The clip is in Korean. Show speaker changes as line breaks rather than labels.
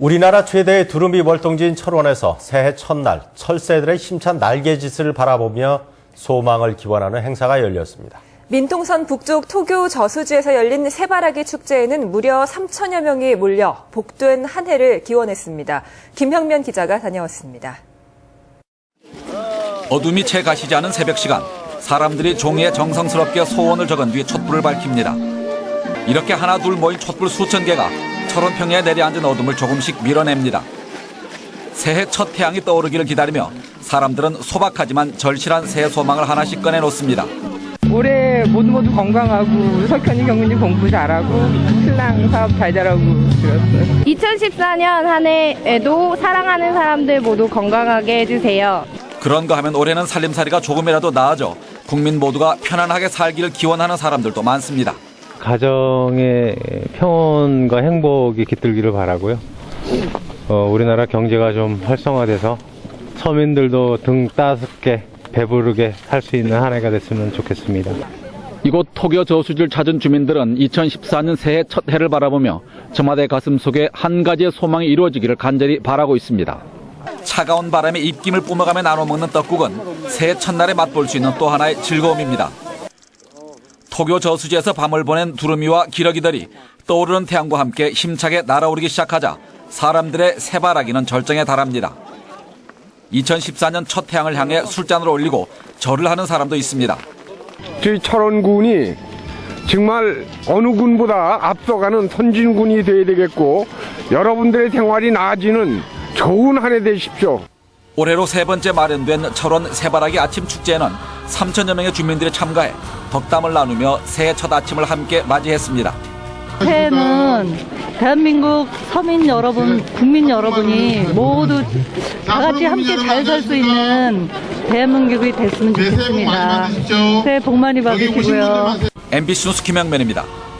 우리나라 최대의 두루미 월동지인 철원에서 새해 첫날 철새들의 힘찬 날개짓을 바라보며 소망을 기원하는 행사가 열렸습니다.
민통선 북쪽 토교 저수지에서 열린 새바라기 축제에는 무려 3천여 명이 몰려 복된 한 해를 기원했습니다. 김형면 기자가 다녀왔습니다.
어둠이 채 가시지 않은 새벽 시간, 사람들이 종이에 정성스럽게 소원을 적은 뒤 촛불을 밝힙니다. 이렇게 하나 둘 모인 촛불 수천 개가 철원 평야에 내려앉은 어둠을 조금씩 밀어냅니다. 새해 첫 태양이 떠오르기를 기다리며 사람들은 소박하지만 절실한 새해 소망을 하나씩 꺼내놓습니다.
올해 모두 건강하고 우리 석현이 경민이 공부 잘하고 신랑 사업 잘 되라고 들었어요.
2014년 한 해에도 사랑하는 사람들 모두 건강하게 해주세요.
그런가 하면 올해는 살림살이가 조금이라도 나아져 국민 모두가 편안하게 살기를 기원하는 사람들도 많습니다.
가정의 평온과 행복이 깃들기를 바라고요. 우리나라 경제가 좀 활성화돼서 서민들도 등 따숩게 배부르게 살 수 있는 한 해가 됐으면 좋겠습니다.
이곳 토교 저수지를 찾은 주민들은 2014년 새해 첫 해를 바라보며 저마다의 가슴 속에 한 가지의 소망이 이루어지기를 간절히 바라고 있습니다. 차가운 바람에 입김을 뿜어가며 나눠 먹는 떡국은 새해 첫날에 맛볼 수 있는 또 하나의 즐거움입니다. 토교 저수지에서 밤을 보낸 두루미와 기러기들이 떠오르는 태양과 함께 힘차게 날아오르기 시작하자 사람들의 새바라기는 절정에 달합니다. 2014년 첫 태양을 향해 술잔을 올리고 절을 하는 사람도 있습니다.
저희 철원군이 정말 어느 군보다 앞서가는 선진군이 돼야 되겠고 여러분들의 생활이 나아지는 좋은 한 해 되십시오.
올해로 세 번째 마련된 철원 새바라기 아침 축제에는 3천여 명의 주민들이 참가해 덕담을 나누며 새해 첫 아침을 함께 맞이했습니다.
새해는 대한민국 서민 여러분, 국민 여러분이 모두 다 같이 함께 잘 살 수 있는 대한민국이 됐으면 좋겠습니다. 새해 복 많이 받으시고요.
MBC 뉴스 김영면입니다.